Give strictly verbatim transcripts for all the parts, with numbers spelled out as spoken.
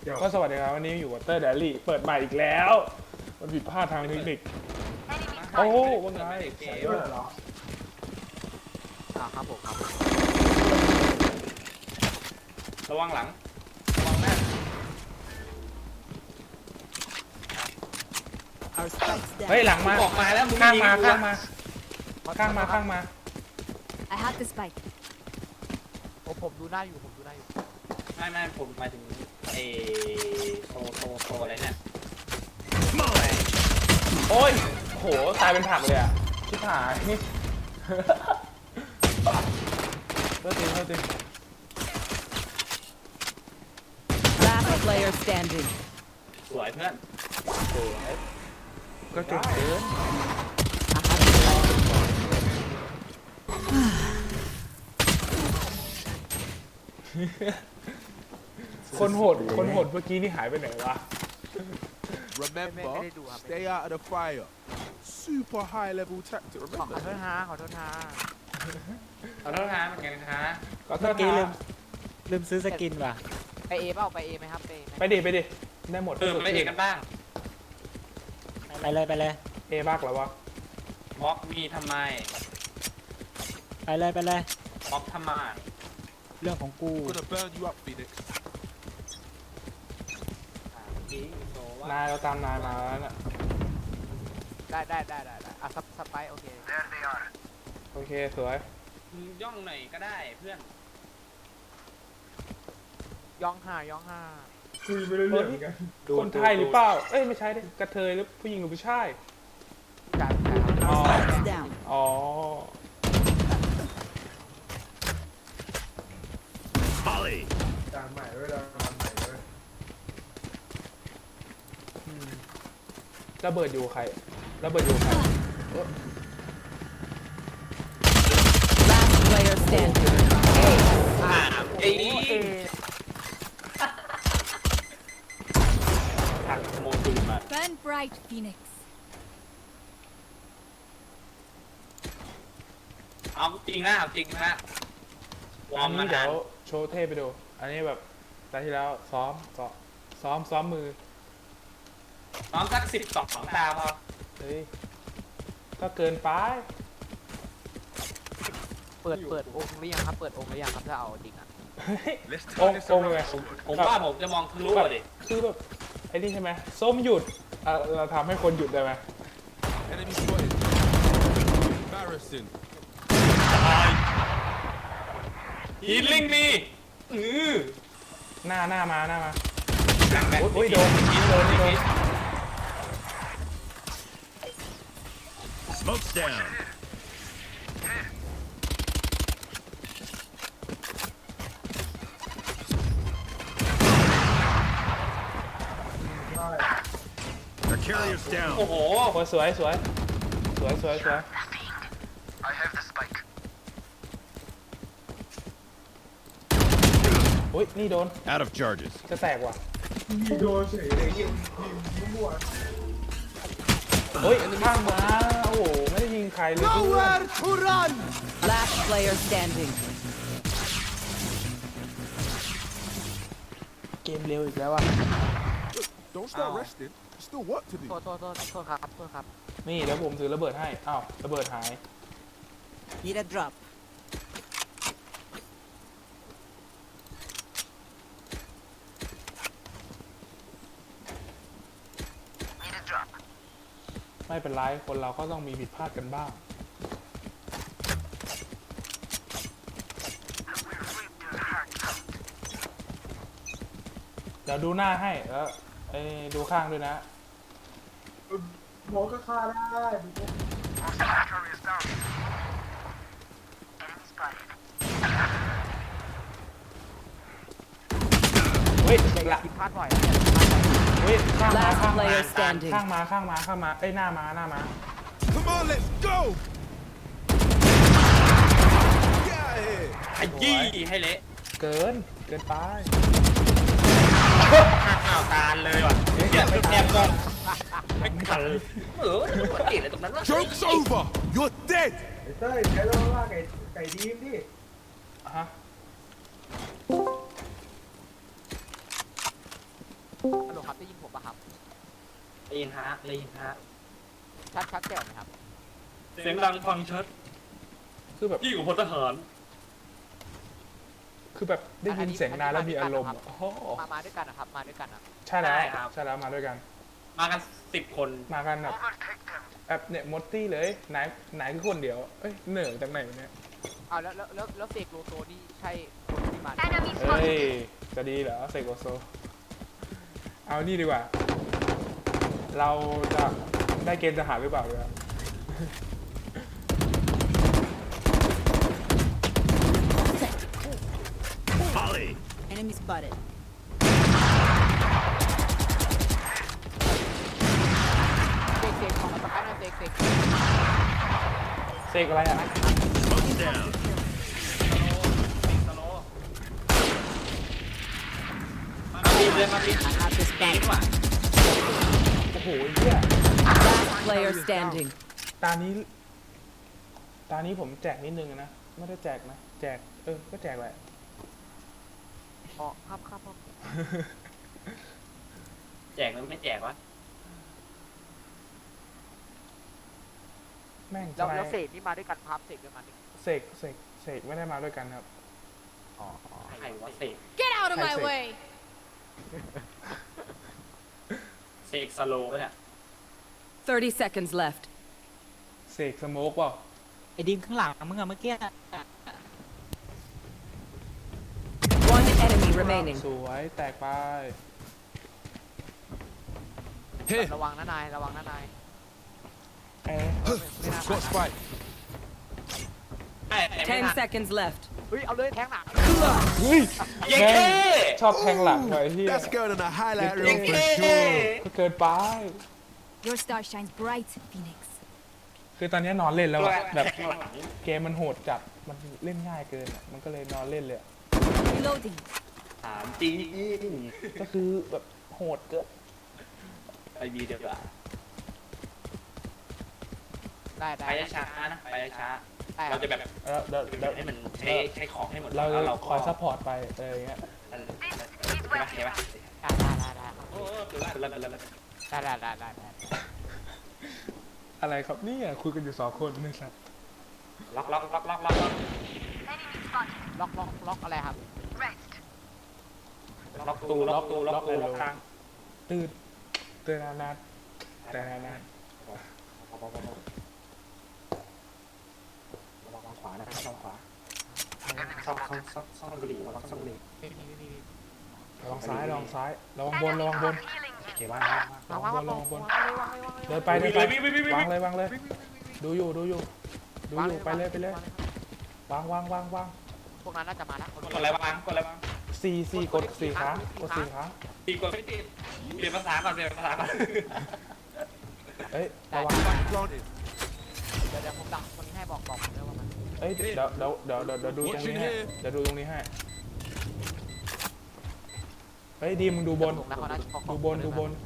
ก็สวัสดีครับวันนี้อยู่กับเตอร์เดลี่เปิดใหม่อีกแล้วมันผิดพลาดทางเทคนิคโอ้ว่าไงใส่ด้วยเหรออ่าครับผมครับระวังหลังระวังหน้าเฮ้ยหลังมาออกมาแล้วมึงข้างมายิข้างมาข้างมาข้างมา I have the spike. ผมผมดูหน้าอยู่ผมดูหน้าอยู่ไม่ไม่ผมหมายถึงเอโซโซโซอะไรเนี่ยโอ้ยโหตายเป็นผักเลยอ่ะชิบหายเลิกจริงเลิกจริง Last player standing. สวยเพื่อนสวยก็เก่งเกินคนโหดคนโหดเมื่อกี้นี่หายไปไหนวะ Remember, stay out of the fire. Super high level tactic. ขอ Remember โทษฮะขอโทษฮะขอโทษนะเหมือนกันนะคะก็เทเมื่อษกี้ลืนะมลืมซื้อสกินว่ะไปเอเปล่าไปเอไหมครับไปเอไหมไปดิไปดิได้หมดเออไปเอกกันบ้างไปเลยไปเลยเอมากแล้ววะบล็อกมีทำไมไปเลยไปเลยบล็อกทำไมเรื่องของกู I'm gonna burn you up, Phoenix. อ่าเมื่อกี้โซว่านายเราตามนายมาแล้วน่ะได้ได้ได้ได้ได้อ่ะสสไปโอเคโอเคสวยมึงย่องหน่อยก็ได้เพื่อนย่องห้าย่องห้าคุยไปเรื่อยๆคนไทยหรือเปล่าเอ้ยไม่ใช่ดิกระเทยหรือผู้หญิงหรือผู้ชายการการครับอ๋อ Spikes down. อ๋อจานใหม่ด้วยจานใหม่ด้วยระเบิดอยู่ใครระเบิดอยู่ใคร Last player standing. อ่าเอ้ยเอหักโมตุนมา Burn bright, Phoenix. เอาจริงนะเอาจริงนะวออัร์นมมานี้เดี๋นายวน โชว์เทพไปดู อันนี้แบบตอนที่แล้วซ้อมซ้อมซ้อมซ้อมมือน้องสักสิบสองตาพอเฮ้ยก็เกินไปเปิดเปิดองค์หรือยังครับเปิดองค์หรือยังครับถ้าเอาจริงอ่ะเฮ้ยองค์องค์ไงผมว่าผมจะมองทะลุอ่ะดิคือแบบไอ้นี่ใช่ไหมส้มหยุดอ่ะเราทำให้คนหยุดได้ไหม Enemy spotted. Embarrassing. ฮีลิ่งมีอือหน้าหน้ามาหน้ามาแบ่งแบ่งโอ้ยโดนโดนโดน Smoke's down. Our carrier's โอ้ down. โหโอ้ยสวยสวยสวยสวยสวย I have the spike โอ้ยนี่โดน Out of charges. จะแตกว่ะยิงโดนเฉยเลยยิงยิงมั่วเฮ้ยข้างมาโอ้โหไม่ได้ยิงใครเลยเพื่อน to run. Last player standing. เกมเร็วอีกแล้วอ่ะ Don't start resting. There's still work to โท do. ษโทษโทษโทษครับโทษครับนี่เดี๋ยวผมถือระเบิดให้อ้าวระเบิดหาย Need a drop. ไม่เป็นไรคนเราก็ต้องมีผิดพลาดกันบ้างเดี๋ยวดูหน้าให้แล้วไอ้ดูข้างด้วยนะหมอก็ฆ่าได้เฮ้ยอย่าอย่าละผิดพลาดบ่อยเฮ้ยข้างมา Last ข้างมา player standing. ข้างมาข้างมาข้างมาเอ้ยหน้ามาหน้ามา Come on, let's go. Get out of here. ขยี้ให้เละเกินเกินไปข้าวตาลเลยว่ะเดี๋ยวแอบก่อนไม่ทันเออปกติเลยตรงนั้นวะ Joke's over. You're dead. ไอ้เต้ยใช้เราว่าไก่ไก่ดีมดิอ่ะฮะครับได้ยินผมปะครับได้ยินฮะได้ยินฮะชัดชัดแจ๋วไหมครับเสียงดังฟังชัดคือแบบยิ่งกว่าพลทหารคือแบบได้ยินเสียงนานแล้วมีอารมณ์อะโอ้โหมามาด้วยกันนะครับมาด้วยกันนะใช่แล้วใช่แล้วมาด้วยกันมากันสิบคนมากันแบบแบบเนี่ยมดตี้เลยไหนไหนคือคนเดียวเอ้ยเหนื่อยจากไหนวะเนี่ยเอาแล้วแล้วแล้วแล้วเสกโลโซนี่ใช่คนที่มาเฮ้ยจะดีเหรอเซโกโซเอานี่ดีกว่า เราจะได้เกณฑ์ทหารหรือเปล่าเนี่ย Volley. Enemy spotted. เสกเสกของมาตะไคร้หน่อยเสกเสกเสกอะไรอ่ะ Smoke down. สโลมาปีนเลยมาปีน At this ปีน back. ว่ะโอ้โหเหี้ย Last player standing. ตานี้ ตานี้ผมแจกนิดนึงนะไม่ได้แจกนะแจกเออก็แจกแหละอ๋อครับครับครับแจกหรือไม่แจกวะแม่งแล้วทำไมแล้วเสกนี่มาด้วยกันครับเสกด้วยกันนี่เสกเสกเสกไม่ได้มาด้วยกันครับอ๋อใครวะเสก Get out of my my Hi, Sid. way. เสกสโลเนี่ย Thirty seconds left. เสกสโมกเปล่าไอ้ดิมข้างหลังมึงอะเมื่อกี้ One enemy remaining. สวยแตกไป Here. ระวังนะนายระวังนะนายเอ๊ะไม่น่า Got spike. ไอ้ไอ้ไม่ Ten น่า seconds left. เฮ้ยเอาเลยแทงหนักเฮ้ยเย้แม่เก้งชอบแทงหลังหน่อยที่ That's going on a highlight Yeah, reel เย้ for เก้ sure. ก็เกินไป Your star shines bright, Phoenix. คือตอนนี้นอนเล่นแล้วอะแบบแทงหลังเกมมันโหดจัดมันเล่นง่ายเกินอะมันก็เลยนอนเล่นเลยอะ Reloading. ถามจริงก็คือแบบโหดเกินไปบีเดียวกว่าได้ได้ไปช้าๆนะไปช้าได้ๆเราจะแบบแล้วเดี๋ยวเดี๋ยวให้มันใช้ใช้ของให้หมดเราแล้วจะเราคอยซัพพอร์ตไปเอออย่างเงี้ยใช่ปะใช่ปะได้ได้ได้ได้โอ้ดูแลดูแลดูแลได้ได้ได้ได้ได้อะไรครับเนี่ยคุยกันอยู่สองคนนี่สัตว์ล็อกล็อกล็อกล็อกล็อกล็อกล็อกล็อกล็อกอะไรครับล็อกตูล็อกตูล็อกตูล็อกทางตื่นตื่นนานๆแต่นานระวังขวานะระวังขวาซ่องซ่องซ่องซ่องบุหรี่ระวังซ่องบุหรี่ไม่มีไม่มีๆระวังซ้ายระวังซ้ายระวังบนระวังบนโอเคว่าระวังระวังระวังระวังเลยวางเลยวางเลยเดินไปเดินไปวางเลยวางเลย ดูอยู่ดูอยู่ดูอยู่ไปเลยไปเลยวางวางวางวางพวกนั้นน่าจะมาแล้วกดอะไรวางกดอะไรวางสี่สี่กดสี่ครั้งกดสี่ครั้งตีกดไม่ติดเปลี่ยนภาษาก่อนเปลี่ยนภาษาก่อนเอ้ยระวัง Planted. เดี๋ยวเดี๋ยวผมดักคนนี้ให้บอกบอกผมด้วยว่ามันเอ้ยเดี๋ยวเดี๋ยวเดี๋ยวเดี๋ยวเดี๋ยวดูตรงนี้ให้เดี๋ยวดูตรงนี้ให้เฮ้ยดีมึงดูบนถูกนะเขาน่าจะดูบนดูบน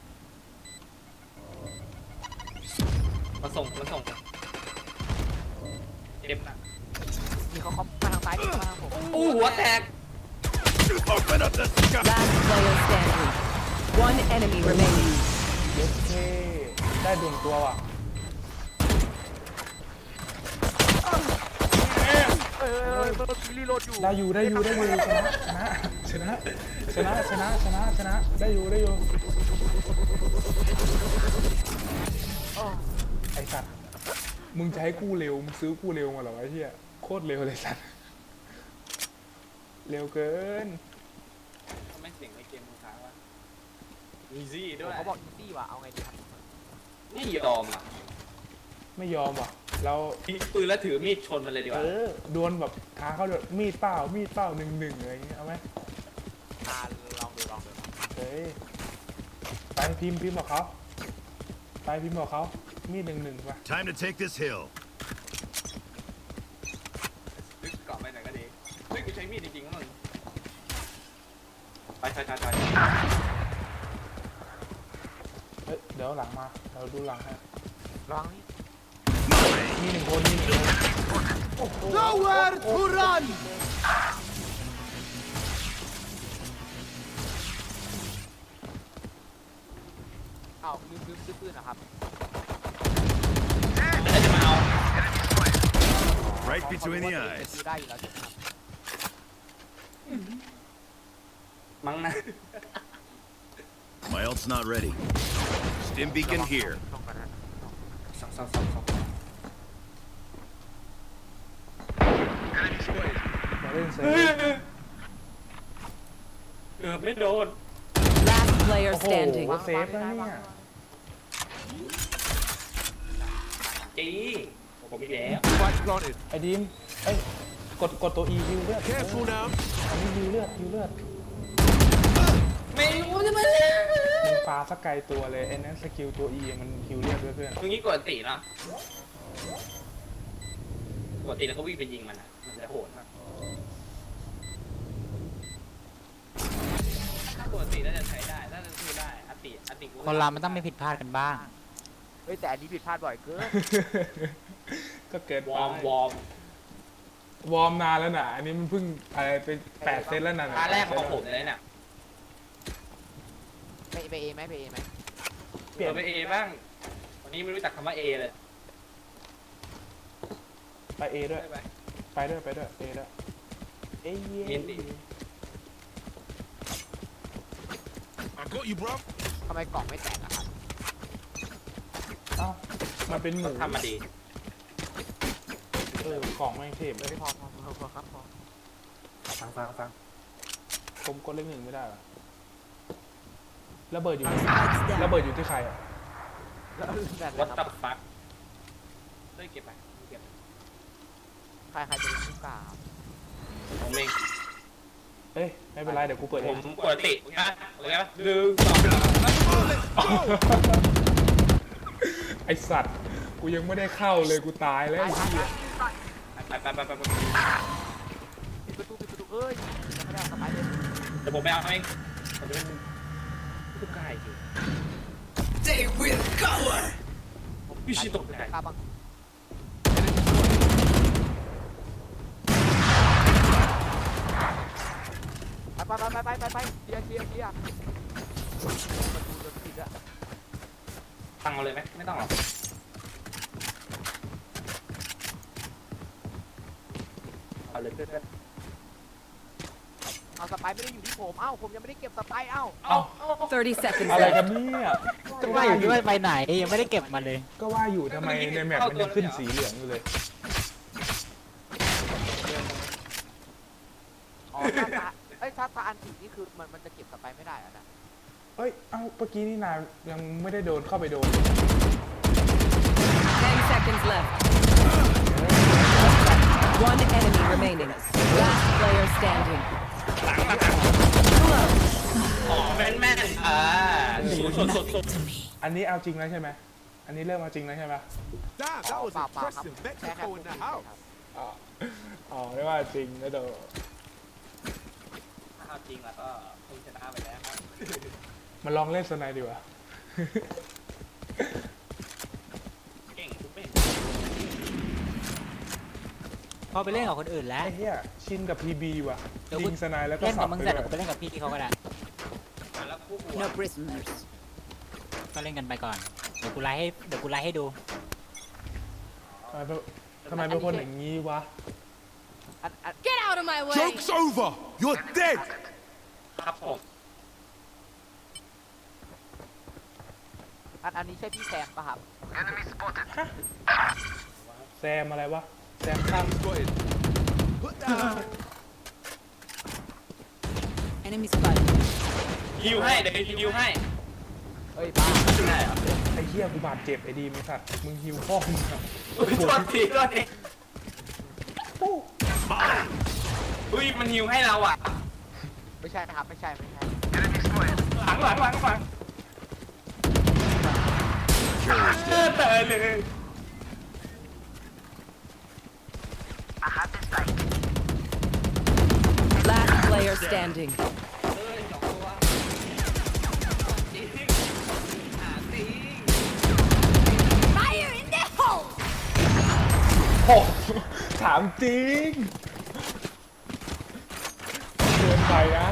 มาส่งมาส่งเก็บนะมีเขาเขามาทางซ้ายดิมาทางผมอู้หัวแตก Open up the sky. Last player standing. One enemy remaining. เย็ดเท่ได้ดวงตัวว่ะเอ้ยเอ้ยเอ้ยเอ้ยรีโหลดอยู่ได้อยู่ได้อยู่ได้อยู่ชนะชนะชนะชนะชนะชนะได้อยู่ได้อยู่โอ้ไอสัตว์มึงจะให้กู้เร็วมึงซื้อกู้เร็วมาเหรอวะไอ้เหี้ยโคตรเร็วเลยสัตว์เร็วเกินทำไมเสียงในเกมมึงค้างวะอีซี่ด้วยเขาบอกอีซี่ว่ะเอาไงดีครับไม่ยอมอ่ะไม่ยอมว่ะเราทิ้งปืนแล้วถือมีดชนมันเลยดีกเอว่าอดวลแบบท้าเขาแบบมีดเปล่ามีดเปล่าหนึ่งหนึ่งอะไรอย่างเงี้ยเอาไหมอ่าลองดูลองดูเฮ้ยไปพิมพ์พิมพ์บอกเขาไปพิมพ์บอกเขามีดหนึ่งหนึ่งป่ะ Time to take this hill. นึกเกาะไปไหนก็ดีเฮ้ยกูใช้มีดจริงๆนะมึงไปไปไปไปเฮ้ยเดี๋ยวหลังมาเราดูหลังให้ระวังนี่มีหนึ่งคนมีหนึ่งคน Nowhere to run. เาลืมลืมซื้อปืนนะครับแล้วจะมาเอา Right between the ดู eyes. ได้อยู่แล้วใช่ไหมครับมั้งนะ My ult's not ready. Stim beacon here. ลองกันนะสองสองสองสองมาเล่นเซฟเออไม่โดน Last player โอ้โห standing. เซฟแล้วเนี่ยจีผมอีกแล้ว Spike's planted. ไอ้ดีมเอ้ยกดกดตัว E ฮิวเลือด Careful now. อันนี้ฮิวเลือดฮิวเลือดไม่รู้จะมามึงปาสักไกลตัวเลยไอ้นั้นสกิลตัว E มันฮิวเลือดด้วยเพื่อนตรงนี้กดตีเนาะกดตีแล้วก็วิ่งไปยิงมันอ่ะมันจะโหดมากถ้ากดตีน่าจะใช้ได้น่าจะสู้ได้อติอติคนเรามันต้องไม่ผิดพลาดกันบ้างเฮ้ยแต่อันนี้ผิดพลาดบ่อยเกินก็เกิดวอร์มวอร์มวอร์มนานแล้วนะอันนี้มันเพิ่งอะไรเป็นแปดเซตแล้วนะตาแรกของผมเลยเนี่ยไปไปเอไหมไปเอไหมเปลี่ยนเราไปเอบ้างวันนี้ไม่รู้จักคำว่าเอเลยไปเอด้วยได้ไหมไปด้วยไปด้วยเอด้วยเอ้ยเห็นดิ I got you, bro. ทำไมกล่องไม่แตกอะครับเอ้ามันเป็นหมูทำมาดีเออของไม่เทพเลยไม่พอพอพอพอครับพอฟังฟังฟังผมกดเลขหนึ่งไม่ได้เหรอระเบิดอยู่ Spikes ระ down. เบิดอยู่ที่ใครอ่ะแล้วแบบวัดนะคตัรับบฟักเฮ้ยเก็บไปเก็บใครใครจะเป็นผู้กล้าครับผมเองเอ้ยไม่เป็นไรเดี๋ยวกูเปิดผเองมปกตินะโอเคปะหนึ่งสองไอสัตว์กูยังไม่ได้เข้าเลยกูตายแล้วไอ้เหี้ยไปไปไปไปไปปิดประตูปิดประตูเอ้ยยังไม่ได้เอาสไปร์เลยเดี๋ยวผมไปเอาเองผมจะเป็นผู้กล้าอีกทีพี่ชิตกใจกล้าบ้างไปไปไปไปไปไปเคลียร์เคลียร์เคลียร์ประตูโดนปิดอะฟังเอาเลยไหมไม่ต้องหรอกเอาเลยเพื่อนเอาสไปร์ไม่ได้อยู่ที่ผมเอ้าผมยังไม่ได้เก็บสไปร์เอ้าๆเอา thirty seconds อะไร left. กันเนี่ยก็ว่าอยู่ด้วยไปไหนยังไม่ได้เก็บมาเลยก็ว่าอยู่ทำไมในแมปมันยังขึ้นสีเหลืองอยู่เลยอ๋อถ้าตาเอ้ยถ้าตาอันสีนี่คือมันมันจะเก็บสไปร์ไม่ได้อะนะเอ้ยเอ้าเมื่อกี้นี่นายยังไม่ได้โดนเข้าไปโดน ten seconds left. One enemy remaining. Last player standing. อ๋อแม่นแม่นอ่าสดสดสดอันนี้เอาจริงแล้วใช่ไหมอันนี้เริ่มเอาจริงแล้วใช่ไหม Damn, that was เปล่าเปล่าครับ impressive. แค่แค่ Mexico พูด in เฉ the ยๆ house. ครับอ๋ออ๋อไม่ว่าจริงนะเดี๋ยวถ้าจริงแล้วก็คงชนะไปแล้วครับมาลองเล่นสไนด์ดีกว่าเก่งทุกเม่งพอไปเล่นกับคนอื่นแล้วไอ้เหี้ยชินกับ พี บี ว่ะเดี๋ยวยิงสไนด์แล้วก็เล่นสักับบมึงไปเสร็จด้วยเดี๋ยวกูไปเล่นกับพี่เขาก็ได้แล้วคู่หัว No prisoners. ก็เล่นกันไปก่อน เดี๋ยวกูไลฟ์ให้เดี๋ยวกูไลฟ์ให้ดูทำไมเป็นทำไมเป็นคนอย่างนี้วะอันอัน Get out of my way! Joke's over. You're dead. ครับผมอันอันนี้ใช่พี่แซมปะครับแซมอะไรวะ แซมข้าม Spotted. Put down. Enemy spotted. ฮิวให้เดี๋ยวฮิวให้เอ้ยบ้าได้เหรอไอ้เหี้ยกูบาดเจ็บไอ้ดีมไอ้สัตว์มึงฮิวพ่อมึงอะอุ้ยโทษทีโทษทีอุ้ยมันฮิวให้เราอ่ะไม่ใช่นะครับไม่ใช่ไม่ใช่หลังหลังหลังหลังเออตายเลย Last player standing. เออสองตัวจริงหาจริง Fire in the hole! โอ้ถามจริงเกินไปนะ